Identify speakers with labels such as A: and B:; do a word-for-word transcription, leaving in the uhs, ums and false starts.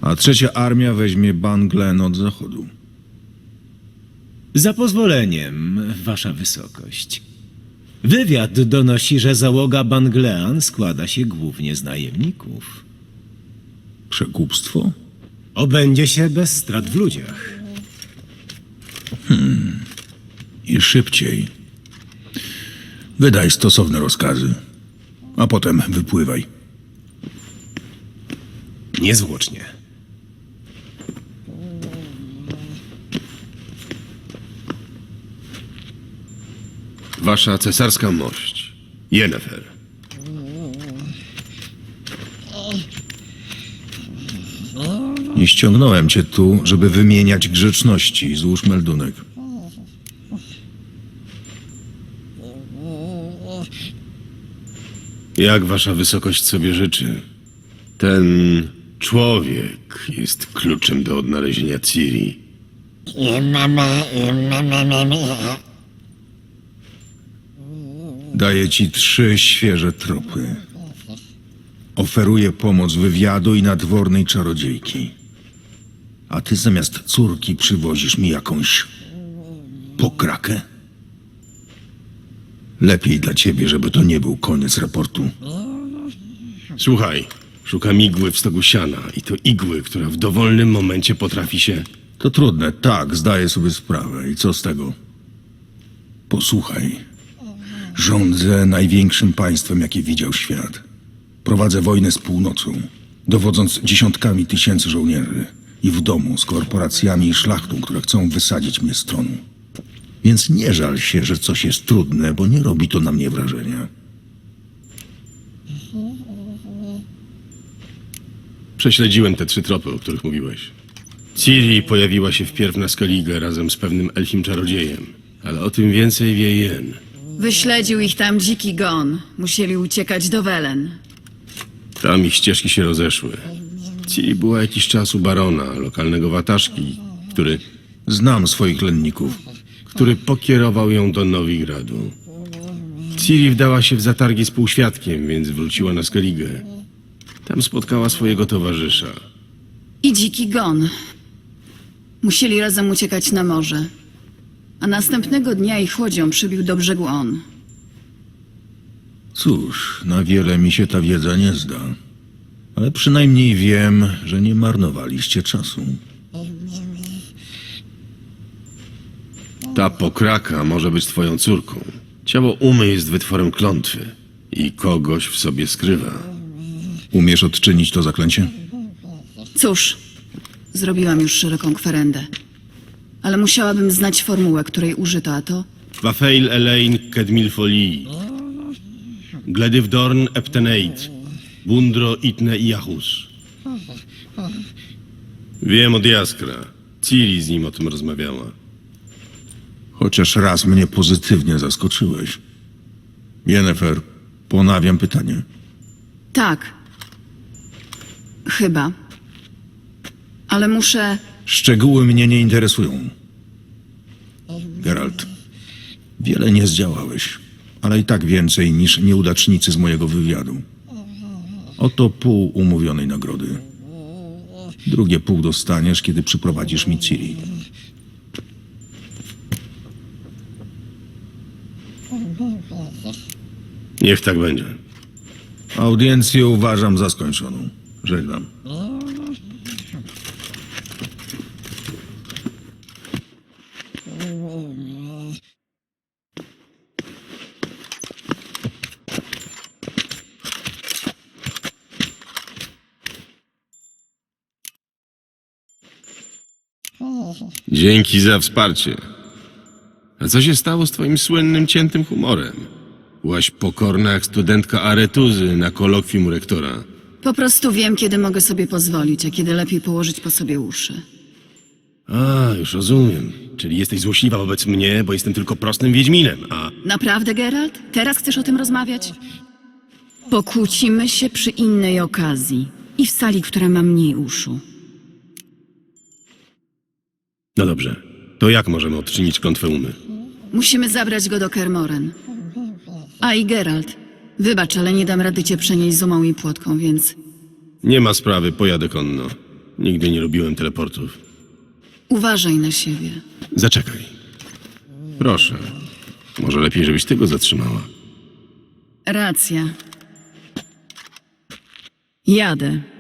A: a trzecia armia weźmie Banglen od zachodu.
B: Za pozwoleniem, wasza wysokość. Wywiad donosi, że załoga Banglean składa się głównie z najemników.
A: Przekupstwo?
B: Obędzie się bez strat w ludziach.
A: I szybciej. Wydaj stosowne rozkazy, a potem wypływaj.
B: Niezwłocznie.
C: Wasza cesarska mość, Yennefer.
A: Nie ściągnąłem cię tu, żeby wymieniać grzeczności. Złóż meldunek.
C: Jak wasza wysokość sobie życzy? Ten człowiek jest kluczem do odnalezienia Ciri.
A: Daję ci trzy świeże tropy. Oferuję pomoc wywiadu i nadwornej czarodziejki. A ty zamiast córki przywozisz mi jakąś pokrakę? Lepiej dla ciebie, żeby to nie był koniec raportu.
C: Słuchaj, szukam igły w stogu siana i to igły, która w dowolnym momencie potrafi się...
A: To trudne, tak, zdaję sobie sprawę. I co z tego? Posłuchaj. Rządzę największym państwem, jakie widział świat. Prowadzę wojnę z północą, dowodząc dziesiątkami tysięcy żołnierzy i w domu z korporacjami i szlachtą, które chcą wysadzić mnie z tronu. Więc nie żal się, że coś jest trudne, bo nie robi to na mnie wrażenia.
C: Prześledziłem te trzy tropy, o których mówiłeś. Ciri pojawiła się wpierw na Skellige razem z pewnym elfim czarodziejem, ale o tym więcej wie Yen.
D: Wyśledził ich tam dziki gon. Musieli uciekać do Welen.
C: Tam ich ścieżki się rozeszły. Ciri była jakiś czas u barona, lokalnego wataszki, który,
A: Znam swoich lenników.
C: który pokierował ją do Nowigradu. Ciri wdała się w zatargi z półświadkiem, więc wróciła na Skellige. Tam spotkała swojego towarzysza.
D: I dziki gon. Musieli razem uciekać na morze. A następnego dnia ich łodzią przybił do brzegu on.
A: Cóż, na wiele mi się ta wiedza nie zda. Ale przynajmniej wiem, że nie marnowaliście czasu.
C: Ta pokraka może być twoją córką. Ciało Umy jest wytworem klątwy i kogoś w sobie skrywa.
A: Umiesz odczynić to zaklęcie?
D: Cóż, zrobiłam już szeroką kwerendę. Ale musiałabym znać formułę, której użyto, a to...
C: Wafeil Elaine Kedmilfolii. Gledivdorn Epteneit. Bundro Itne Iachus. Wiem od Jaskra. Ciri z nim o tym rozmawiała.
A: Chociaż raz mnie pozytywnie zaskoczyłeś. Yennefer, ponawiam pytanie.
D: Tak. Chyba. Ale muszę...
A: Szczegóły mnie nie interesują. Geralt, wiele nie zdziałałeś, ale i tak więcej niż nieudacznicy z mojego wywiadu. Oto pół umówionej nagrody. Drugie pół dostaniesz, kiedy przyprowadzisz mi Ciri.
C: Niech tak będzie.
A: Audiencję uważam za skończoną. Żegnam.
C: Dzięki za wsparcie. A co się stało z twoim słynnym ciętym humorem? Byłaś pokorna jak studentka aretuzy na kolokwium rektora.
D: Po prostu wiem, kiedy mogę sobie pozwolić, a kiedy lepiej położyć po sobie uszy.
C: A, już rozumiem. Czyli jesteś złośliwa wobec mnie, bo jestem tylko prostym wiedźminem, a...
D: Naprawdę, Geralt? Teraz chcesz o tym rozmawiać? Pokłócimy się przy innej okazji. I w sali, która ma mniej uszu.
C: No dobrze. To jak możemy odczynić klątwę Umy?
D: Musimy zabrać go do Kermoren. A i Geralt, wybacz, ale nie dam rady cię przenieść z umą i płotką, więc...
C: Nie ma sprawy, pojadę konno. Nigdy nie lubiłem teleportów.
D: Uważaj na siebie.
C: Zaczekaj. Proszę. Może lepiej, żebyś ty go zatrzymała.
D: Racja. Jadę.